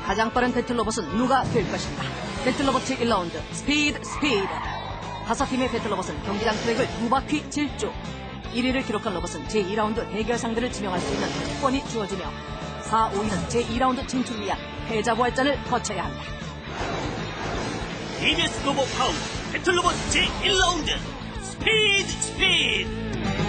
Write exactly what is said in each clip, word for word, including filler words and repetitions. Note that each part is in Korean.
가장 빠른 배틀로봇은 누가 될 것인가? 배틀로봇 일 라운드 스피드 스피드. 다섯 팀의 배틀로봇은 경기장 트랙을 두 바퀴 질주. 일 위를 기록한 로봇은 제이 라운드 대결 상대를 지명할 수 있는 특권이 주어지며 사, 오 위는 제이 라운드 진출을 위한 패자 부활전을 거쳐야 한다. 티비에스 로봇 파운 배틀로봇 제일 라운드 스피드 스피드.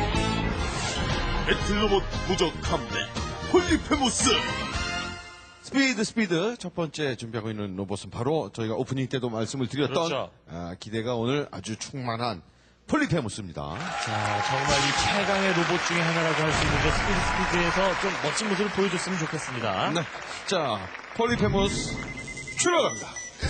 배틀로봇 무적 함대 폴리페모스. 스피드 스피드 첫 번째 준비하고 있는 로봇은 바로 저희가 오프닝 때도 말씀을 드렸던 그렇죠. 아, 기대가 오늘 아주 충만한 폴리페모스입니다. 자, 정말 이 최강의 로봇 중에 하나라고 할 수 있는데 스피드 스피드에서 좀 멋진 모습을 보여줬으면 좋겠습니다. 네, 자 폴리페모스 출발합니다.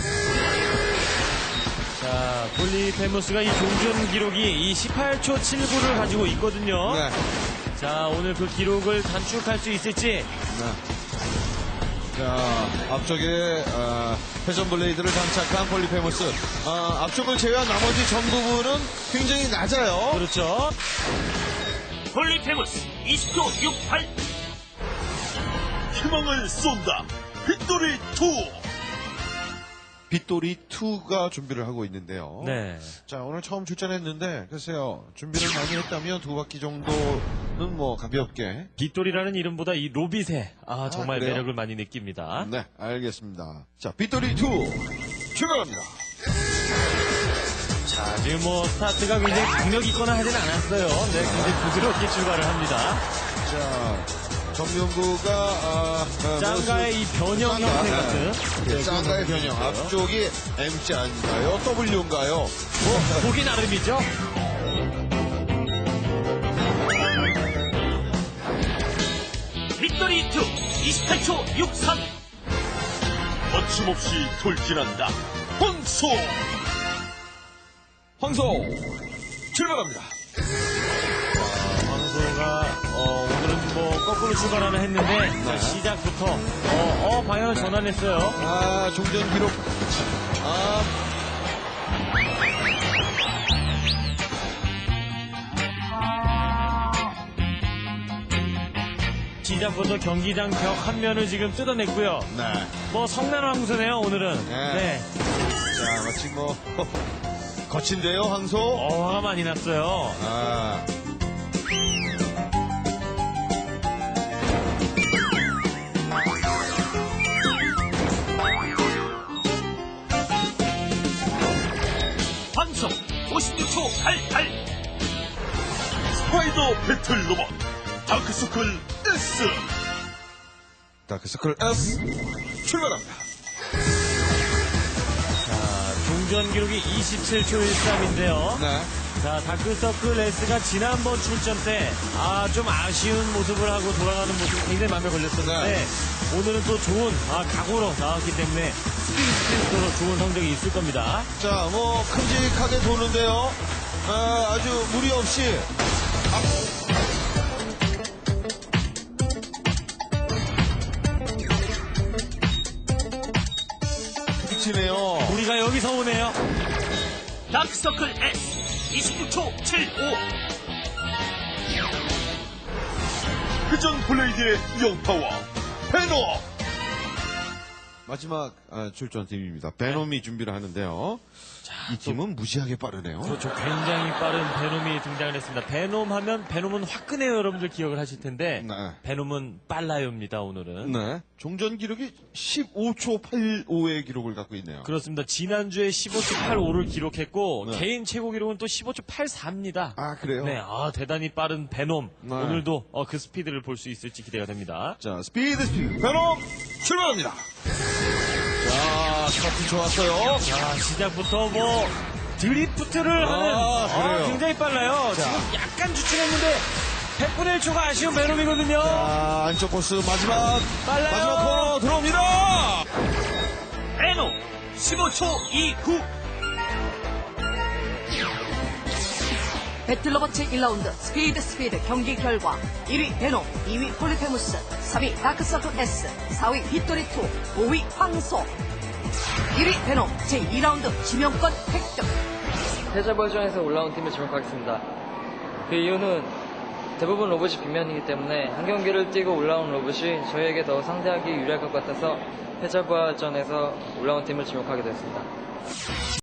자, 폴리페모스가 이 종전 기록이 이 십팔 초 칠구를 가지고 있거든요. 네, 자, 오늘 그 기록을 단축할 수 있을지. 네. 자, 앞쪽에 어, 회전 블레이드를 장착한 폴리페모스. 어, 앞쪽을 제외한 나머지 전 부분은 굉장히 낮아요. 그렇죠. 폴리페모스 이십 초 육십팔. 희망을 쏜다 빅토리 투. 빗돌이 이가 준비를 하고 있는데요. 네. 자, 오늘 처음 출전했는데 글쎄요, 준비를 많이 했다면 두 바퀴 정도는 뭐 가볍게. 빗돌이라는 이름보다 이 로빗에 아, 정말 그래요? 매력을 많이 느낍니다. 네, 알겠습니다. 자, 빗돌이 이 출발합니다. 자, 지금 뭐 스타트가 굉장히 강력 있거나 하진 않았어요. 네, 굉장히 부드럽게 출발을 합니다. 자, 정명구가 아, 아, 짱가의 이 변형 짱가, 형태 네. 같은. 네, 짱가의 변형. 앞쪽이 엠씨 아닌가요? W인가요? 뭐, 보기 나름이죠. 빅토리 투 이십팔 초 육십삼. 거침없이 돌진한다 황소. 황소 출발합니다. 황소가 어, 오늘은 뭐 거꾸로 출발하나 했는데 자, 시작부터 어, 어, 방향을 전환했어요. 아, 종전 기록. 아, 시작부터 경기장 벽 한 면을 지금 뜯어냈고요. 네. 뭐 성난 황소네요 오늘은. 네. 네. 자, 마치 뭐 거친데요, 황소. 어, 화가 많이 났어요. 아. 황소 오십육 초 팔십팔. 스파이더 배틀 로봇 다크서클 S. 다크서클 S 출발합니다. 자, 종전 기록이 이십칠 초 일삼인데요. 네. 자, 다크서클 S가 지난번 출전 때, 아, 좀 아쉬운 모습을 하고 돌아가는 모습이 굉장히 마음에 걸렸었는데, 네. 오늘은 또 좋은, 아, 각오로 나왔기 때문에, 스피드 스피드로 좋은 성적이 있을 겁니다. 자, 뭐 큼직하게 도는데요. 아, 아주 무리 없이. 미치네요. 우리가 여기서 오네요. 다크서클 S 이십육 초 칠십오. 회전 블레이드의 영파워 베놈. 마지막 아, 출전팀입니다. 베놈이 준비를 하는데요. 이 팀은 무시하게 빠르네요. 그렇죠. 굉장히 빠른 베놈이 등장을 했습니다. 베놈 하면, 베놈은 화끈해요. 여러분들 기억을 하실 텐데, 네. 베놈은 빨라요입니다, 오늘은. 네. 종전 기록이 십오 초 팔십오의 기록을 갖고 있네요. 그렇습니다. 지난주에 십오 초 팔십오를 기록했고, 네. 개인 최고 기록은 또 십오 초 팔십사입니다. 아, 그래요? 네, 아, 대단히 빠른 베놈. 네. 오늘도 어, 그 스피드를 볼 수 있을지 기대가 됩니다. 자, 스피드 스피드 베놈 출발합니다. 자, 스타트 좋았어요. 자, 시작부터 뭐, 드리프트를 아, 하는, 그래요? 아, 굉장히 빨라요. 지금 약간 주춤했는데, 백분의 일 초가 아쉬운 베놈이거든요. 자, 안쪽 코스 마지막. 빨라요. 마지막 코너 들어옵니다. 베놈 십오 초 이십구. 배틀로봇 일 라운드 스피드 스피드 경기 결과 일 위 베놈, 이 위 폴리페무스, 삼 위 다크서클 S, 사 위 빗돌이 이, 오 위 황소. 일 위 베놈 제이 라운드 지명권 획득. 패자 버전에서 올라온 팀을 지목하겠습니다. 그 이유는 대부분 로봇이 빗면이기 때문에 한 경기를 뛰고 올라온 로봇이 저희에게 더 상대하기 유리할 것 같아서 패자부활전에서 올라온 팀을 지목하게 됐습니다.